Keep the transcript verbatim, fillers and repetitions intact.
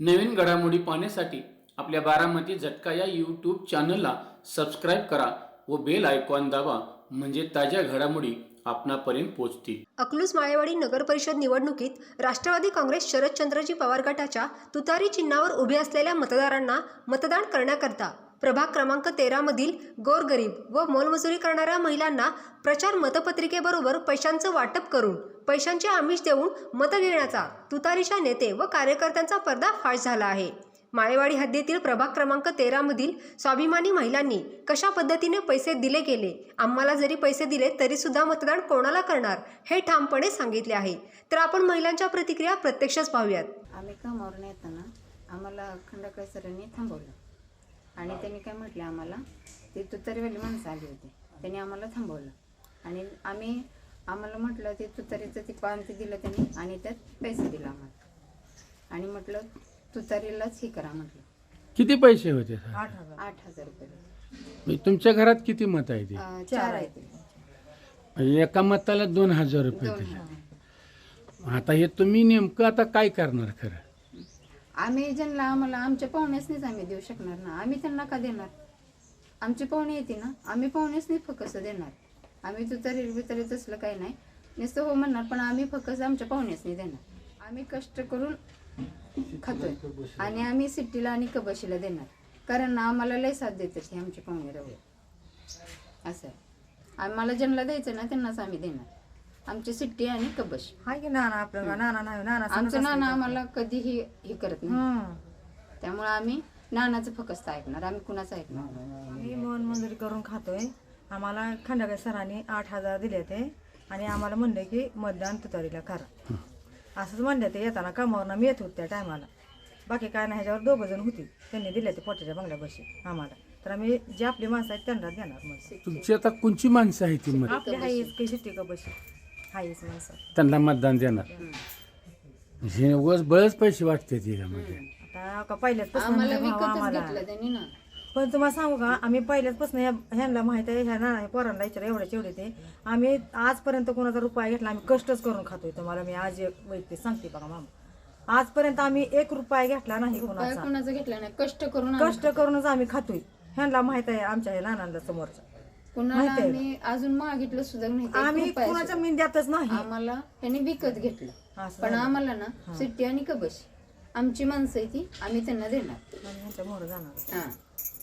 नवीन घडामोडी पाहण्यासाठी आपल्या बारामती झटका या यूट्यूब चॅनलला सबस्क्राईब करा व बेल आयकॉन दाबा, म्हणजे ताज्या घडामोडी आपणापर्यंत पोहोचतील. अकलूज माळेवाडी नगर परिषद निवडणुकीत राष्ट्रवादी काँग्रेस शरदचंद्रजी पवार गटाच्या तुतारी चिन्हावर उभे असलेल्या मतदारांना मतदान करण्याकरता प्रभाग क्रमांक तेरा मधील गोरगरीब व मोलमजुरी करणाऱ्या महिलांना प्रचार मतपत्रिकेबरोबर पैशांचं वाटप करून पैशांचे आमिष देऊन मतं घेण्याचा तुतारीच्या नेते व कार्यकर्त्यांचा पर्दाफाश झाला आहे. माळेवाडी हद्दीतील प्रभाग क्रमांक तेरा मधील स्वाभिमानी महिलांनी कशा पद्धतीने पैसे दिले गेले, आम्हाला जरी पैसे दिले तरी सुद्धा मतदान कोणाला करणार हे ठामपणे सांगितले आहे. तर आपण महिलांच्या प्रतिक्रिया प्रत्यक्षच पाहूयात. आम्ही कामावरून येताना आम्हाला खंडाकळे सरांनी थांबवलं आणि त्यांनी काय म्हटलं, आम्हाला ते तुतारीवाली माणसं आली होती, त्यांनी आम्हाला थांबवलं आणि आम्ही आम्हाला म्हटलं ते तुतारीचं ते पान ते दिलं त्यांनी आणि त्यात पैसे दिला आम्हाला आणि म्हटलं तुतारीलाच हे करा म्हटलं. किती पैसे होते सर? आठ हजार आठ हजार रुपये. म्हणजे तुमच्या घरात किती मत आहे ते? अं, चार आहे ते. म्हणजे एका मताला दोन हजार रुपये दोन दिले. हजार. आता हे तुम्ही नेमकं आता काय करणार खरं? आम्ही ज्यांना आम्हाला आमच्या पाहुण्यासनीच आम्ही देऊ शकणार ना, आम्ही त्यांना का देणार? आमची पाहुणे येते ना, आम्ही पाहुण्यासनीच फक्त देणार. आम्ही तुतारी बितारी तसलं काही नाही, नुसतं हो म्हणणार, पण आम्ही फक्त आमच्या पाहुण्यासनी देणार. आम्ही कष्ट करून खातोय आणि आम्ही सिट्टीला आणि कबशीला देणार, कारण आम्हाला लय साथ देतात हे आमचे पाहुणे रवळे. असं आहे, आम्हाला ज्यांना द्यायचं ना त्यांनाच आम्ही देणार. आमची सिट्टी आणि कबश हाय की नाना आपलं नाना नाही नाना आमचं नाना आम्हाला कधीही हे करत नाही, त्यामुळे आम्ही नानाचं फक्त ऐकणार, आम्ही कुणाचं ऐकणार नाही. आम्ही मन मंजुरी करून खातोय. आम्हाला खंडागळे सरांनी आठ हजार दिले ते आणि आम्हाला म्हणले की मतदान तुतारीला करा असंच म्हणले. ते येताना कामावरनं मी येत होते त्या टायमाला, बाकी काय नाही, ह्याच्यावर दोघं जण होती, त्यांनी दिले ते पोटाच्या बंगल्यापाशी आम्हाला. तर आम्ही जे आपली माणसं आहेत त्यांना देणार. मग तुमची आता कोणची माणसं आहे ती मत आपली हाईच काही शिट्टी का बशी हाईच माणसं त्यांना मतदान देणार? हे उगाच बळच पैसे वाटते त्याच्यामध्ये. आता का पहिल्याच आम्हाला पासून विकतच आम्हाला घेतलं त्यांनी ना. पण तुम्हाला सांगू का, आम्ही पहिल्याचपासून ह्या ह्यांना माहित आहे, ह्या ना पोरांना विचार एवढ्याच एवढे ते आम्ही आजपर्यंत कोणाचा रुपया घेतला, आम्ही कष्टच करून खातोय. तुम्हाला मी आज एक वैयक्तिक सांगते बघा मामा, आजपर्यंत आम्ही एक रुपया घेतला नाही रुपया कोणाचा. कोणाचं घेतलं नाही, कष्ट करून आम्ही कष्ट करूनच आम्ही खातोय. ह्यांना माहित आहे, आमच्या ह्या नानांना समोरच्या कुणाला माहिती आहे. आम्ही अजून मागितलं सुद्धा नाही, एक आम्ही रुपया कोणाच्या सुद्धा. मिंद्यातच नाही. आम्हाला त्यांनी विकत घेतलं, असं पण झालं. आम्हाला ना सिट्टी आणि कबश आमची माणसं आहे ती आम्ही त्यांना देणार. आणि ह्यांच्या मोहर जाणार. हा